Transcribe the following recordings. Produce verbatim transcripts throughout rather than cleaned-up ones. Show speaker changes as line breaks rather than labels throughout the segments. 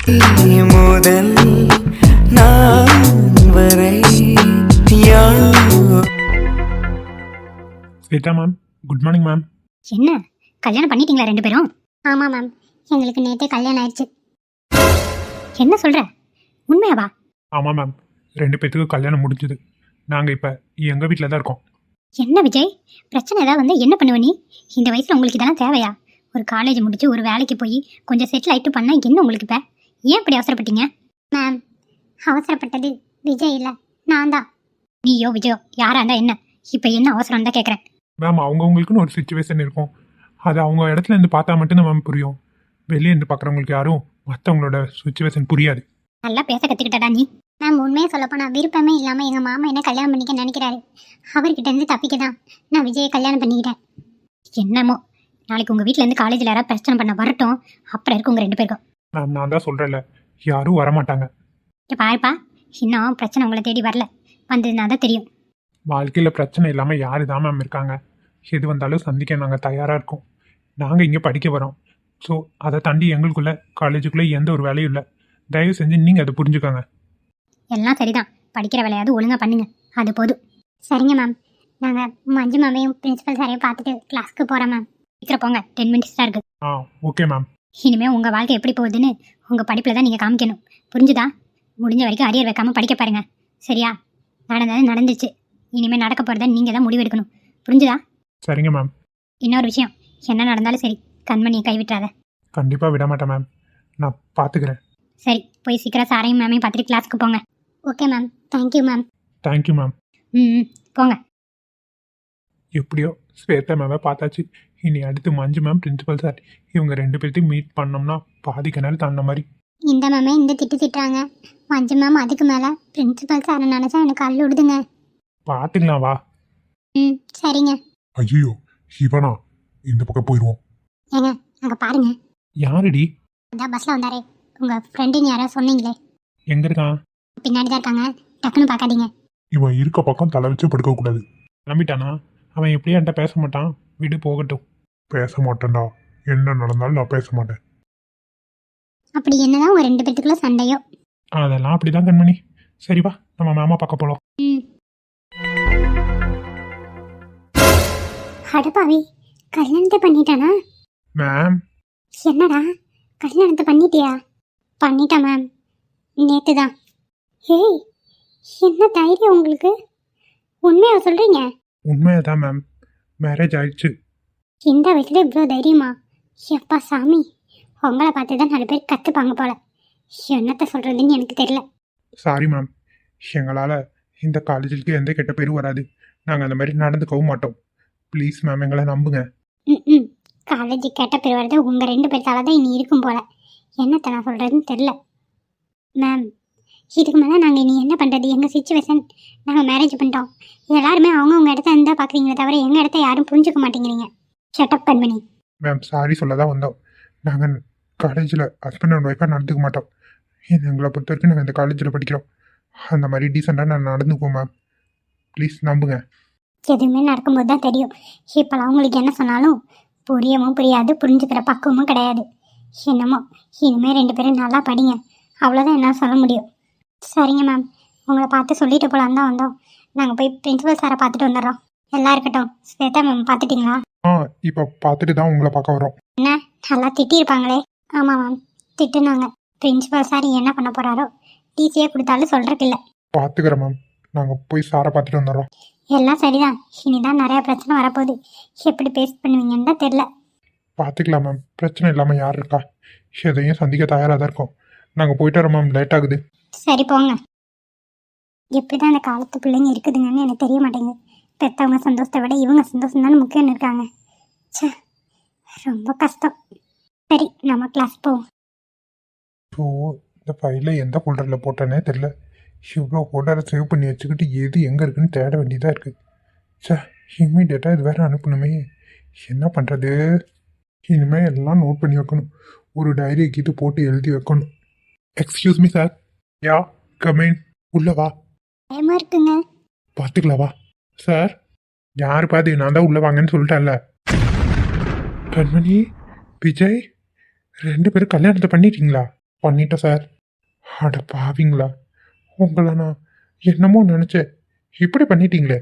முதல் நான் வரை
Shweta ma'am, good morning ma'am.
என்ன கல்யாணம் பண்ணிட்டீங்களா ரெண்டு பேரும்? ஆமாம் மேம், எங்களுக்கு நேற்றே கல்யாணம் ஆயிடுச்சு. என்ன சொல்கிற, உண்மையாவா?
ஆமாம் மேம், ரெண்டு பேத்துக்கும் கல்யாணம் முடிஞ்சுது. நாங்கள் இப்போ எங்கள் வீட்டில் தான் இருக்கோம்.
என்ன விஜய், பிரச்சனை ஏதாவது வந்து என்ன பண்ணுவ நீ? இந்த வயசில் உங்களுக்கு இதெல்லாம் தேவையா? ஒரு காலேஜ் முடிச்சு ஒரு வேலைக்கு போய் கொஞ்சம் செட்டில் ஆகிட்டு பண்ணால் என்ன உங்களுக்கு இப்போ? ஏன் இப்படி அவசரப்பட்டீங்க? மேம், அவசரப்பட்டது விஜய் இல்லை, நான் தான். நீயோ விஜயோ யாரா இருந்தா என்ன, இப்போ என்ன அவசரம் தான் கேட்குறேன்.
மேம், அவங்கவுங்களுக்குன்னு ஒரு சுச்சுவேஷன் இருக்கும். அது அவங்க இடத்துல இருந்து பார்த்தா மட்டும்தான் மேம் புரியும். வெளியே இருந்து பார்க்குறவங்களுக்கு யாரும் மற்றவங்களோட சுச்சுவேஷன் புரியாது.
நல்லா பேச கற்றுக்கிட்டடா நீ. மேம், உண்மையை சொல்லப்போனால் விருப்பமே இல்லாமல் எங்கள் மாமா என்ன கல்யாணம் பண்ணிக்க நினைக்கிறாரு. அவர்கிட்ட இருந்து தப்பிக்க தான் நான் விஜயை கல்யாணம் பண்ணிக்கிட்டேன். என்னமோ, நாளைக்கு உங்கள் வீட்டிலேருந்து காலேஜில் யாராவது பிரச்சனை பண்ண வரட்டும், அப்புறம் இருக்கும் உங்கள் ரெண்டு பேருக்கும்.
மேம், நான் தான் சொல்கிறேன்ல, யாரும் வரமாட்டாங்க.
இப்போ பாருப்பா, இன்னும் பிரச்சனை உங்களை தேடி வரல, வந்ததுனா தான் தெரியும்.
வாழ்க்கையில் பிரச்சனை இல்லாமல் யாரு தான் மேம் இருக்காங்க? எது வந்தாலும் சந்திக்க நாங்கள் தயாராக இருக்கோம். நாங்கள் இங்கே படிக்க வரோம். ஸோ அதை தாண்டி எங்களுக்குள்ளே காலேஜுக்குள்ளே எந்த ஒரு வேலையும் இல்லை. தயவு செஞ்சு நீங்கள் அதை புரிஞ்சுக்கோங்க.
எல்லாம் சரிதான், படிக்கிற வேலையாவது ஒழுங்காக பண்ணுங்க, அது போதும். சரிங்க மேம், நாங்கள் மஞ்சு மேமையும் பிரின்சிபல் சாரையும் பார்த்துட்டு கிளாஸ்க்கு போகிறோம் மேம். சீக்கிரம் போங்க, டென் மினிட்ஸ் தான் இருக்குது.
ஆ, ஓகே மேம்.
இனிமேல் உங்கள் வாழ்க்கை எப்படி போகுதுன்னு உங்கள் படிப்பில் தான் நீங்கள் காமிக்கணும், புரிஞ்சுதா? முடிஞ்ச வரைக்கும் அரியர் வைக்காமல் படிக்க பாருங்க, சரியா? நடந்தது நடந்துச்சு, இனிமேல் நடக்க போகிறத நீங்கள் தான் முடிவெடுக்கணும், புரிஞ்சுதா?
சரிங்க மேம்.
இன்னொரு விஷயம், என்ன நடந்தாலும் சரி, கண்மணியை கைவிட்டுறாத.
கண்டிப்பாக விட மாட்டேன் மேம், நான் பார்த்துக்கிறேன்.
சரி, போய் சீக்கிரம் சாரையும் மேமையும் பார்த்துட்டு கிளாஸ்க்கு போங்க. Okay ma'am, thank you ma'am.
Thank you ma'am.
ம், போங்க.
எப்படியோ ஸ்வேதா மேமை பார்த்தாச்சு. இனி அடுத்து மஞ்சு மேம், பிரின்சிபல் சார், இவங்க ரெண்டு பேர்த்தையும் மீட் பண்ணோம்னா பாதி கிணறு தாண்ட மாதிரி.
இந்த மேமே இந்த திட்டு திட்டுறாங்க, மஞ்சு மேம் அதுக்கு மேலே பிரின்சிபல் சாரை நினச்சா எனக்கு அள்ளு விடுதுங்க.
பார்த்துக்கலாம் வா.
ம், சரிங்க.
ஐயோ, இவனா? இந்த பக்கம் போயிடுவோம்.
ஏங்க, அங்கே பாருங்க.
யாருடி?
அதான் பஸ்ஸில் வந்தாரே உங்கள் ஃப்ரெண்டுன்னு யாரோ சொன்னீங்களே,
எங்க இருக்கான்?
பின்னாடி தான் இருக்காங்க, டக்குன்னு பார்க்காதீங்க.
இவன் இருக்க பக்கம் தலை வச்சு படுக்க கூடாது.
கிளம்பிட்டானா? அவன் எப்படியும் என்கிட்ட பேச மாட்டான், விடு போகட்டும்.
பேச மாட்டேன்டா, என்ன நடந்தாலும் நான் பேச மாட்டேன்.
அப்படி என்னதான் ஒரு ரெண்டு பேத்துக்குள்ள சண்டையோ?
அதெல்லாம் அப்படிதான் கண்மணி. சரி வா, நம்ம மாமா பார்க்க போலாம்.
ம். அடப்பாவி, கல்யாணத்தை பண்ணிட்டானா?
மேம்,
என்னடா, கல்யாணத்தை பண்ணிட்டியா? பண்ணிட்டேன் மேம், நேற்று தான். ஏய், என்ன தைரியம் உங்களுக்கு? உண்மையாக சொல்கிறீங்க?
உண்மையாதான் மேம், மேரேஜ் ஆயிடுச்சு.
இந்த வயசுல இவ்வளோ தைரியமா? எப்பா சாமி, உங்களை பார்த்து தான் நாலு பேர் கற்றுப்பாங்க போல. என்னத்தை சொல்கிறதுன்னு எனக்கு தெரியல.
சாரி மேம், எங்களால் இந்த காலேஜுக்கு எந்த கெட்ட பேரும் வராது. நாங்கள் அந்த மாதிரி நடந்துக்கவும் மாட்டோம். ப்ளீஸ் மேம், எங்களை நம்புங்க.
ம் ம் காலேஜ் கேட்ட பேர் வரது உங்கள் ரெண்டு பேர்த்தால தான் இனி இருக்கும் போல. என்னத்தை நான் சொல்கிறதுன்னு தெரில மேம். இதுக்கு மேலே நாங்கள் இனி என்ன பண்ணுறது? எங்கள் சுச்சுவேஷன், நாங்கள் மேரேஜ் பண்ணிட்டோம். எல்லாருமே அவங்கவுங்க இடத்த இருந்தால் பார்க்குறீங்களே தவிர எங்கள் இடத்த யாரும் புரிஞ்சுக்க மாட்டேங்கிறீங்க. ஷட்டப் கண்மணி.
மேம், சாரி சொல்ல தான் வந்தோம். நாங்கள் காலேஜில் ஹஸ்பண்ட் அண்ட் ஒய்ஃபாக நடந்துக்க மாட்டோம். எங்களை பொறுத்த வரைக்கும் நாங்கள் இந்த காலேஜில் படிக்கிறோம். அந்த மாதிரி டீசெண்டாக நான் நடந்துக்குவோம் மேம். ப்ளீஸ் நம்புங்க.
எதுவுமே நடக்கும்போது தான் தெரியும். இப்போலாம் உங்களுக்கு என்ன சொன்னாலும் புரியவும் புரியாது, புரிஞ்சுக்கிற பக்குவமும் கிடையாது. என்னமோ இனிமேல் ரெண்டு பேரும் நல்லா படிங்க, அவ்வளோதான் என்னால் சொல்ல முடியும். சரிங்க மேம், உங்களை பார்த்து சொல்லிட்டு போகலான் தான் வந்தோம். நாங்கள் போய் பிரின்சிபல் சாரை பார்த்துட்டு வந்துடுறோம். எல்லாம் இருக்கட்டும். ஸ்வேதா மேம் பார்த்துட்டிங்களா?
ஆ, இப்போ பார்த்துட்டு தான் உங்களை பார்க்க வரோம்.
என்ன, நல்லா திட்டியிருப்பாங்களே? ஆமாம் மேம், திட்டுனாங்க. பிரின்சிபல் சார் என்ன பண்ண போகிறாரோ, டிசியே கொடுத்தாலும் சொல்கிறதுக்கு இல்லை.
பார்த்துக்கிறேன் மேம், நாங்கள் போய் சாரை பார்த்துட்டு வந்துடுறோம்.
எல்லாம் சரிதான், இனிதான் நிறையா பிரச்சனை வரப்போகுது. எப்படி பேஸ் பண்ணுவீங்கன்னு தான் தெரில.
பார்த்துக்கலாம் மேம், பிரச்சனை இல்லாமல் யார் இருக்கா? எதையும் சந்திக்க தயாராக தான் இருக்கோம். நாங்கள் போயிட்டு வரோம் மேம், லேட் ஆகுது.
சரி போங்க. எப்படி தான் இந்த காலத்து பிள்ளைங்க இருக்குதுங்கன்னு எனக்கு தெரிய மாட்டேங்குது. பெற்றவங்க சந்தோஷத்தை விட இவங்க சந்தோஷம் தானே முக்கியம்னு இருக்காங்க. சே, ரொம்ப கஷ்டம். சரி, நம்ம கிளாஸ் போவோம்.
ஸோ இந்த ஃபைலில் எந்த ஃபோல்டரில் போட்டேன்னே தெரில. இவ்வளோ ஃபோல்டரை சேவ் பண்ணி வச்சுக்கிட்டு எது எங்கே இருக்குன்னு தேட வேண்டியதாக இருக்குது. சே, இம்மீடியட்டாக இது வேறு அனுப்பணுமே, என்ன பண்ணுறது? இனிமேல் எல்லாம் நோட் பண்ணி வைக்கணும். ஒரு டைரியை கீத்து போட்டு எழுதி வைக்கணும். Excuse me sir. Yeah, come in. உள்ள வா.
பயமா இருக்குங்க.
பார்த்துக்கலாம் வா. சார், யார் பாதி நான் தான் உள்ள வாங்கன்னு சொல்லிட்டேன்ல. கண்மணி, விஜய், ரெண்டு பேரும் கல்யாணத்தை பண்ணிட்டீங்களா? பண்ணிட்டேன் சார். அட பாவிங்களா, உங்களை நான் என்னமோ நினச்சேன், இப்படி பண்ணிட்டீங்களே.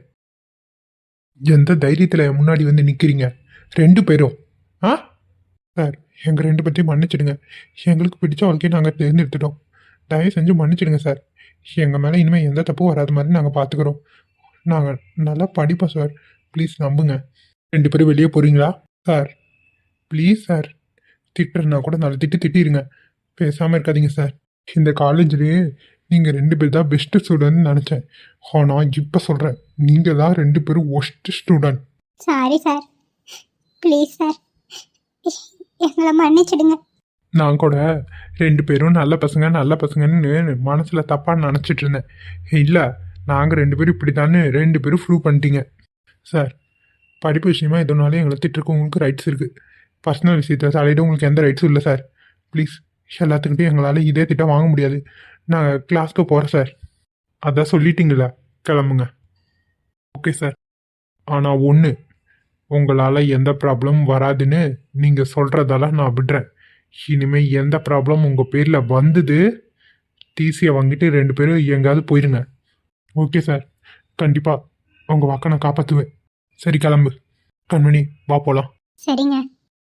எந்த தைரியத்தில் முன்னாடி வந்து நிற்கிறீங்க ரெண்டு பேரும்? ஆ சார், எங்கள் ரெண்டு பேர்த்தையும் மன்னிச்சிடுங்க. எங்களுக்கு பிடிச்ச வாழ்க்கையை நாங்கள் தேர்ந்தெடுத்துட்டோம். தயவு செஞ்சு மன்னிச்சிடுங்க சார். எங்கள் மேலே இனிமேல் எந்த தப்பும் வராத மாதிரி நாங்கள் பார்த்துக்குறோம். நாங்கள் நல்லா படிப்போம் சார். ப்ளீஸ் நம்புங்க. ரெண்டு பேரும் வெளியே போகிறீங்களா சார்? Please sir. திட்டுறனா கூட நல்லா திட்டு திட்டிடுங்க. பேசாமல் இருக்காதீங்க சார். இந்த காலேஜ்லேயே நீங்கள் ரெண்டு பேர் தான் பெஸ்ட்டு ஸ்டூடெண்ட்னு நினச்சேன். ஆனால் இப்போ சொல்கிறேன், நீங்கள் தான் ரெண்டு பேரும் worst student.
Sorry sir, please sir, எங்களை மன்னிச்சிடுங்க.
நான் கூட ரெண்டு பேரும் நல்ல பசங்க நல்ல பசங்கன்னு மனசில் தப்பாக நினச்சிட்டு இருந்தேன். இல்லை, நாங்கள் ரெண்டு பேரும் இப்படி தானே ரெண்டு பேரும் ப்ரூவ் பண்ணிட்டீங்க சார். படிப்பு விஷயமா எதுனாலும் எங்களை திட்டுருக்கு உங்களுக்கு ரைட்ஸ் இருக்குது. பர்சனல் விஷயத்தில் தலையிட உங்களுக்கு எந்த ரைட்ஸும் இல்லை சார். ப்ளீஸ், எல்லாத்துக்கிட்டையும் எங்களால் இதே திட்டம் வாங்க முடியாது. நான் கிளாஸ்க்கு போகிறேன் சார். அதான் சொல்லிட்டீங்களா, கிளம்புங்க. Okay sir. ஆனால் ஒன்று, உங்களால் எந்த ப்ராப்ளமும் வராதுன்னு நீங்கள் சொல்கிறதெல்லாம் நான் விடுறேன். இனிமேல் எந்த ப்ராப்ளம் உங்கள் பேரில் வந்தது, டிசியை வாங்கிட்டு ரெண்டு பேரும் எங்கேயாவது போயிடுங்க. ஓகே சார், கண்டிப்பாக உங்கள் வாக்கை நான் காப்பாற்றுவேன். சரி, கிளம்பு. கண்மணி, வா போகலாம்.
சரிங்க.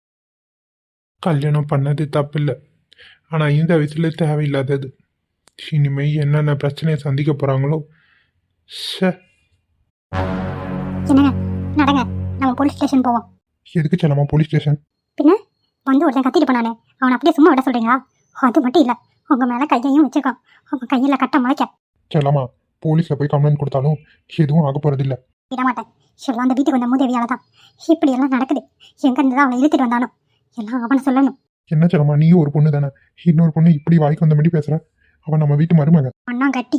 கல்யாணம் பண்ணது தப்பில்லை, ஆனால் இந்த வயசில் தேவையில்லாதது. இனிமேல் என்னென்ன பிரச்சனையை சந்திக்க போகிறாங்களோ. ஷே.
என்னங்க, நடங்க, நம்ம போலீஸ் ஸ்டேஷன் போவோம்.
எதுக்கு செல்லமா போலீஸ் ஸ்டேஷன்?
பின்ன வந்து ஒருத்தன் கத்திட்டு போனானே, அவனை அப்படியே சும்மா விட சொல்கிறீங்களா? அது மட்டும் இல்லை, உங்கள் மேலே கையையும் வச்சுருக்கான். உங்கள் கையில் கட்ட முளைக்க.
செல்லமா, போலீஸில் போய் கம்ப்ளைண்ட் கொடுத்தாலும் எதுவும் ஆக போகிறதில்ல.
விட மாட்டேன். எல்லாம் அந்த வீட்டுக்கு வந்த மூதேவியால தான் இப்படி எல்லாம் நடக்குது. எங்கேருந்து தான் அவளை இழுத்துட்டு வந்தானோ எல்லாம் அவனை சொல்லணும்.
என்ன செல்லமா, நீயும் ஒரு பொண்ணு தானே, இன்னொரு பொண்ணு இப்படி வாய்க்கு வந்த மாதிரி பேசுற. அவன் நம்ம வீட்டு மருமக.
அண்ணா கட்டி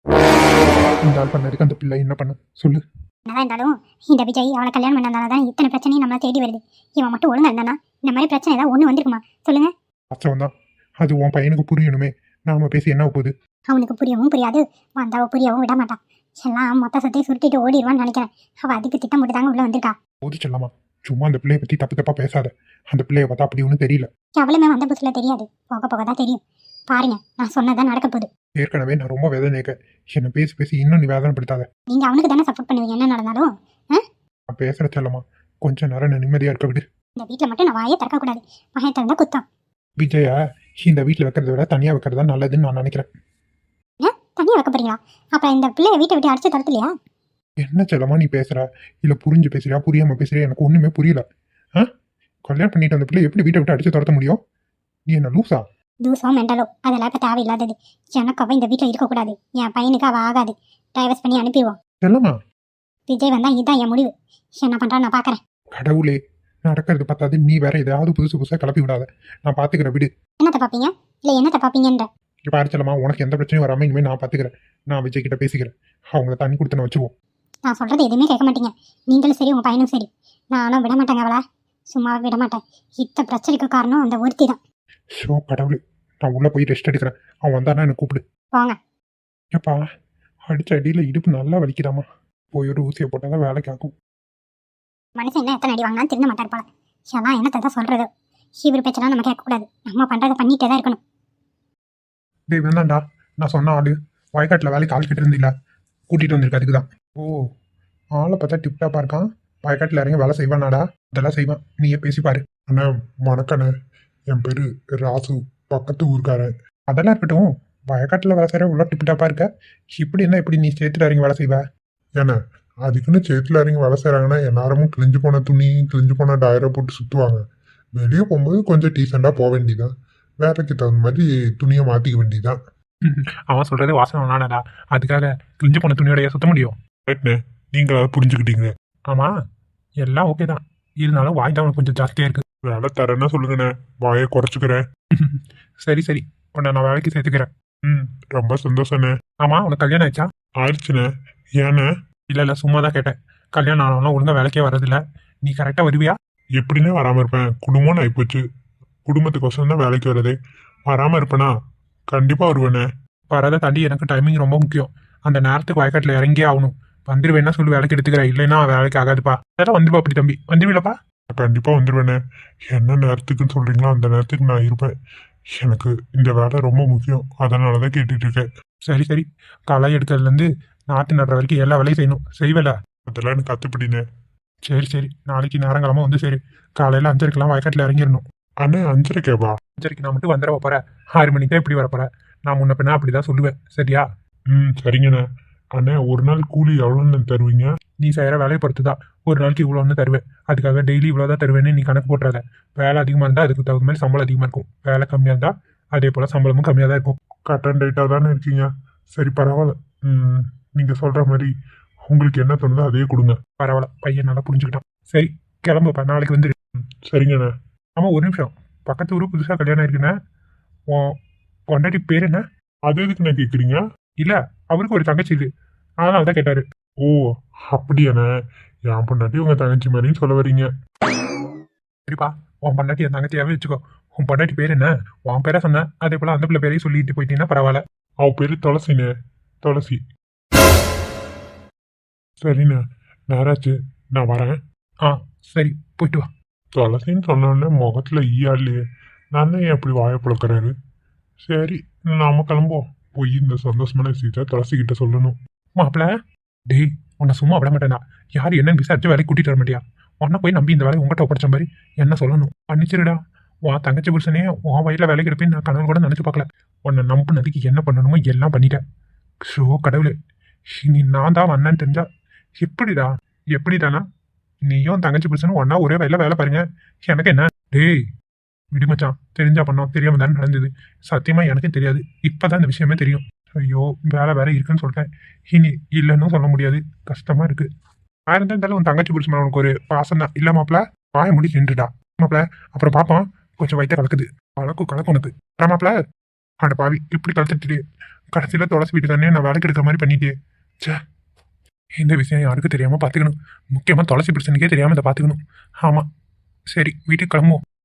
இந்த ஆள் பண்ணதுக்கு அந்த பிள்ளை என்ன பண்ண சொல்லு.
என்னதான் இருந்தாலும் இந்த விஜய் அவளை கல்யாணம் பண்ணதால தான் இத்தனை பிரச்சனையும் நம்மளை தேடி வருது. இவன் மட்டும் ஒழுங்கா இருந்தானா இந்த மாதிரி பிரச்சனை ஏதாவது ஒன்று வந்திருக்குமா சொல்லுங்க?
வாஸ்தவம் தான். அது உன் பையனுக்கு புரியணுமே. நாம பேசி என்ன போகுது?
அவனுக்கு புரியவும் புரியாது, வந்தாவ புரியவும் விட மாட்டான். எல்லாம் மொத்த சத்தையும் சுருட்டிட்டு ஓடிடுவான்னு நினைக்கிறேன். அவள் அதுக்கு திட்டம் போட்டு தாங்க உள்ள வந்திருக்கா.
போது செல்லமா, சும்மா அந்த பிள்ளைய பற்றி தப்பு தப்பா பேசாத. அந்த பிள்ளைய பார்த்தா அப்படி ஒன்றும் தெரியல.
எவ்வளவுமே வந்த புதுசுல தெரியாது, போக போக தான் தெரியும். பாருங்க, நான் சொன்னதான் நடக்க போகுது.
ஏற்கனவே நான் ரொம்ப வேதனைக்க. என்னை பேசி பேசி இன்னும் நீ வேதனைப்படுத்தாத.
நீங்க அவனுக்கு தானே சப்போர்ட் பண்ணுவீங்க என்ன நடந்தாலும்.
நான் பேசுற செல்லமா, கொஞ்ச நேரம் நான் நிம்மதியா இருக்க விடு.
இந்த வீட்டில் மட்டும் நான் வாயே திறக்க கூடாது. மகன் திறந்தா குத்தம்.
விஜயா இந்த வீட்டில் வைக்கிறத விட தனியாக வைக்கிறது தான் நல்லதுன்னு நான் நினைக்கிறேன்.
ஏன் தனியாக வைக்க போறீங்களா? அப்புறம் இந்த பிள்ளைய வீட்டை விட்டு அடிச்சு தரத்துலையா?
என்ன செல்லமா நீ பேசுற? இல்லை புரிஞ்சு பேசுறியா புரியாம பேசுறியா? எனக்கு ஒன்றுமே புரியல. ஆ கல்யாணம் பண்ணிட்டு அந்த பிள்ளை எப்படி வீட்டை விட்டு அடிச்சு துரத்த முடியும்? நீ என்ன லூசா?
தூசம் மெண்டலோ அதெல்லாம் இப்போ தேவையில்லாதது. எனக்கு அவள் இந்த வீட்டில் இருக்கக்கூடாது. என் பையனுக்கு அவள் ஆகாது. டைவர்ஸ் பண்ணி அனுப்பிடுவோம்.
செல்லமா,
விஜய் வந்தா இதுதான் என் முடிவு. என்ன பண்றான்னு நான் பார்க்குறேன்.
கடவுளே, நடக்கிறது பார்த்தாது நீ வேற ஏதாவது புதுசு புதுசாக கிளப்பி விடாத. நான் பார்த்துக்கிறேன் விடு.
என்னத்தை பார்ப்பீங்க? இல்லை என்னத்தை பார்ப்பீங்கன்ற?
இப்போ அரைச்சலமா, உனக்கு எந்த பிரச்சனையும் வராமல் இனிமேல் நான் பார்த்துக்கிறேன். நான் விஜய் கிட்ட பேசிக்கிறேன். அவங்கள தண்ணி கொடுத்து நான் வச்சுருவோம்.
நான் சொல்கிறது எதுவுமே கேட்க மாட்டீங்க. நீங்களும் சரி உங்கள் பையனும் சரி. நானும் விட மாட்டேங்க அவளை. சும்மா விட மாட்டேன். இத்த பிரச்சனைக்கு காரணம் அந்த ஒருத்தி தான்.
ஷோ கடவுளே, நான் உள்ளே போய் ரெஸ்ட் எடுக்கிறேன். அவன் வந்தானா எனக்கு கூப்பிடு.
போங்க.
ஏப்பா, அடிச்ச அடியில் இடுப்பு நல்லா வலிக்குதாமா. போய் ஒரு ஊசியை போட்டால் தான் வேலைக்கு ஆகும்.
மனுஷன் என்ன எத்தனை அடி வாங்கினாலும் திருந்த மாட்டார் போல. எல்லாம் என்னத்தை தான் சொல்கிறது. இவர் பேச்செல்லாம் நம்ம கேட்கக்கூடாது. நம்ம பண்ணுறதை பண்ணிகிட்டே தான் இருக்கணும்.
டேய் வேணாண்டா, நான் சொன்ன ஆளு வயக்காட்டில் வேலைக்கு ஆள் கிட்ட இருந்தில்ல, கூட்டிகிட்டு வந்திருக்க. அதுக்கு தான். ஓ, ஆளை பார்த்தா டிப்டாப்பாக இருக்கான். வயக்காட்டில் இறங்கி வேலை செய்வானாடா? அதெல்லாம் செய்வான். நீயே பேசிப்பாரு. அண்ணா வணக்கண்ணே, என் பேர் ராசு, பக்கத்து ஊருக்காரன். அதெல்லாம் இருக்கட்டும், வயக்காட்டில் வேலை செய்கிற இவ்வளோ டிப்டாப்பாக இருக்க. இப்படி என்ன இப்படி நீ சேத்துல இறங்கி வேலை செய்வ? ஏன்னா அதுக்குன்னு சேத்துல இறங்கி வேலை செய்கிறாங்கன்னா எல்லாரும் கிழிஞ்சு போன துணி கிழிஞ்சு போன டயரை போட்டு சுற்றுவாங்க. வெளியே போகும்போது கொஞ்சம் டீசெண்டாக போக வேண்டியதான். வேலைக்கு தகுந்த மாதிரி துணியை மாற்றிக்க வேண்டியதான். அவன் சொல்கிறது வாசனை நானடா, அதுக்காக கிழிஞ்சு போன துணியோடைய சுத்த முடியும்? நீங்கள் அதை புரிஞ்சுக்கிட்டீங்க. ஆமாம், எல்லாம் ஓகே தான். இருந்தாலும் வாய் தான் உனக்கு கொஞ்சம் ஜாஸ்தியாக இருக்குது. வேலை தரேன்னா சொல்லுங்கண்ணே, வாயை குறைச்சிக்கிறேன். சரி சரி, உன்னை நான் வேலைக்கு சேர்த்துக்கிறேன். ம், ரொம்ப சந்தோஷண்ணே. ஆமாம், உனக்கு கல்யாணம் ஆயிடுச்சா? ஆயிடுச்சுண்ணே. ஏண்ணே? இல்லை இல்லை, சும்மா தான் கேட்டேன். கல்யாணம் ஆனாலும் ஒழுங்காக வேலைக்கே வரதில்ல. நீ கரெக்டாக வருவியா? எப்படின்னே வராமல் இருப்பேன். குடும்பம்னு ஆகிப்போச்சு. குடும்பத்துக்கோசரம் தான் வேலைக்கு வரதே. வராமல் இருப்பேனா? கண்டிப்பாக வருவேண்ணே. வரதை தாண்டி எனக்கு டைமிங் ரொம்ப முக்கியம். அந்த நேரத்துக்கு வயக்காட்டில் இறங்கியே ஆகணும். வந்துடுவேன்னா சொல்லி வேலைக்கு எடுத்துக்கிறேன், இல்லைன்னா வேலைக்கு ஆகாதுப்பா. அதெல்லாம் வந்துடுவா அப்படி தம்பி, வந்துடுவீங்களப்பா? கண்டிப்பாக வந்துடுவேண்ணே. என்ன நேரத்துக்குன்னு சொல்கிறீங்களோ அந்த நேரத்துக்கு நான் இருப்பேன்.
எனக்கு இந்த வேலை ரொம்ப முக்கியம், அதனால தான் கேட்டுட்டு இருக்கேன்.
சரி சரி, களை எடுக்கிறதுலேருந்து நாற்று நடுற வரைக்கும் எல்லா வேலையும் செய்யணும், செய்வேல.
அதெல்லாம் எனக்கு கத்துப்பிடினே.
சரி சரி, நாளைக்கு நேரங்காலமாக வந்து சரி, காலையில் அஞ்சரைக்கெல்லாம் வயக்காட்டில் இறங்கிடணும்.
அண்ணே அஞ்சரைக்கேவா?
அஞ்சரைக்கு நான் மட்டும் வந்துட போகிறேன், ஆறு மணிக்கு தான் இப்படி வரப்போகிறேன். நான் முன்ன பின்னா அப்படி தான் சொல்லுவேன், சரியா?
ம் சரிங்கண்ணே. அண்ணே ஒரு நாள் கூலி எவ்வளோன்னு தருவீங்க?
நீ செய்கிற வேலையை பொறுத்து தான் ஒரு நாளைக்கு இவ்வளோன்னு தருவேன். அதுக்காக டெய்லி இவ்வளோ தான் தருவேன்னு நீ கணக்கு போட்டுறாத. வேலை அதிகமாக இருந்தால் அதுக்கு தகுந்த மாதிரி சம்பளம் அதிகமாக இருக்கும், வேலை கம்மியாக இருந்தால் அதே போல் சம்பளமும் கம்மியாக தான் இருக்கும்.
கட் அண்ட் ரைட்டாக தானே இருக்கீங்க. சரி பரவாயில்ல. ம் நீங்கள் சொல்கிற மாதிரி உங்களுக்கு என்ன தோணுதோ அதையே கொடுங்க.
பரவாயில்ல, பையன் நல்லா புரிஞ்சுக்கிட்டான். சரி கிளம்புப்பா, நாளைக்கு வந்துடு.
சரிங்கண்ணே.
ஆமாம், ஒரு நிமிஷம், பக்கத்து ஊர் புதுசாக கல்யாணம் இருக்குண்ணே, உன் பொண்டாட்டி பேர் என்ன?
அது எதுக்குண்ணே கேட்குறீங்க?
இல்லை, அவருக்கு ஒரு தங்கச்சி இது, அதனால தான் கேட்டார்.
ஓ அப்படியாண்ணே. என் பொண்டாட்டி உங்கள் தங்கச்சி மாதிரின்னு சொல்ல வரீங்க.
சரிப்பா, உன் பொண்டாட்டி என் தங்கச்சியாவே வச்சுக்கோ. உன் பொண்டாட்டி பேர் என்ன? உன் பேரை சொன்னேன், அதே போல் அந்த பிள்ளை பேரையும் சொல்லிட்டு போயிட்டீங்கன்னா பரவாயில்ல.
அவ பேர் துளசிண்ணே, துளசி. சரிண்ணே, நேராச்சு, நான் வரேன்.
ஆ சரி, போயிட்டு வா.
துளசின்னு சொன்னோடனே முகத்தில் ஈயா இல்லையே, நான் தான் ஏன் அப்படி வாயை பழக்கிறாரு. சரி நாம கிளம்புவோம். போய் இந்த சந்தோஷமான விஷயத்த துளசிக்கிட்ட சொல்லணும்.
மாப்பிள்ள, டேய் உன்னை சும்மா விட மாட்டேன்டா. யார் என்னன்னு விசாரிச்சு வேலைக்கு கூட்டிட்டு வர மாட்டியா? உன்னை போய் நம்பி இந்த வேலையை உங்கள்கிட்ட ஒப்படைச்ச மாதிரி என்ன சொல்லணும்? பண்ணிச்சிருடா. உன் தங்கச்சி புருஷனே உன் வயலில் வேலைக்கு எடுப்பேன்னு நான் கனவு கூட நினச்சி பார்க்கல. உன்னை நம்பினதுக்கு என்ன பண்ணணுமோ எல்லாம் பண்ணிட்டேன். ஷோ கடவுளே, நீ நான் தான் வந்தேன்னு தெரிஞ்சா எப்படிடா? எப்படிதானா? நீயும் தங்கச்சி புருஷனும் ஒன்னா ஒரே வயலில் வேலை பாருங்க, எனக்கு என்ன? டேய் விடுமச்சான், தெரிஞ்சா பண்ணோம், தெரியாம தானே நடந்தது. சத்தியமா எனக்கு தெரியாது, இப்பதான் இந்த விஷயமே தெரியும். ஐயோ, வேலை வேற இருக்குன்னு சொல்லிட்டேன், இனி இல்லைன்னு சொல்ல முடியாது, கஷ்டமா இருக்கு. ஆயிரம் இருந்தாலும் உன் தங்கச்சி புருஷன் உனக்கு ஒரு பாசம் தான் இல்ல மாப்பிள? வாய முடி நின்றுடா மாப்பிள, அப்புறம் பாப்போம். கொஞ்சம் வயிற்ற கலக்குது, கலக்கும் கலக்கும் உனக்கு. அப்புறம் மாப்பிள, அட பாவி இப்படி கலத்துட்டு கடைசியில துளசி வீட்டுக்காரனே நான் வேலைக்கு எடுக்கிற மாதிரி பண்ணிட்டே. சே, இந்த விஷயம் யாருக்கும் தெரியாம பாத்துக்கணும், முக்கியமா துளசி புருஷனுக்கே தெரியாம இதை பாத்துக்கணும். ஆமா, சரி வீட்டுக்கு கிளம்புவோம்.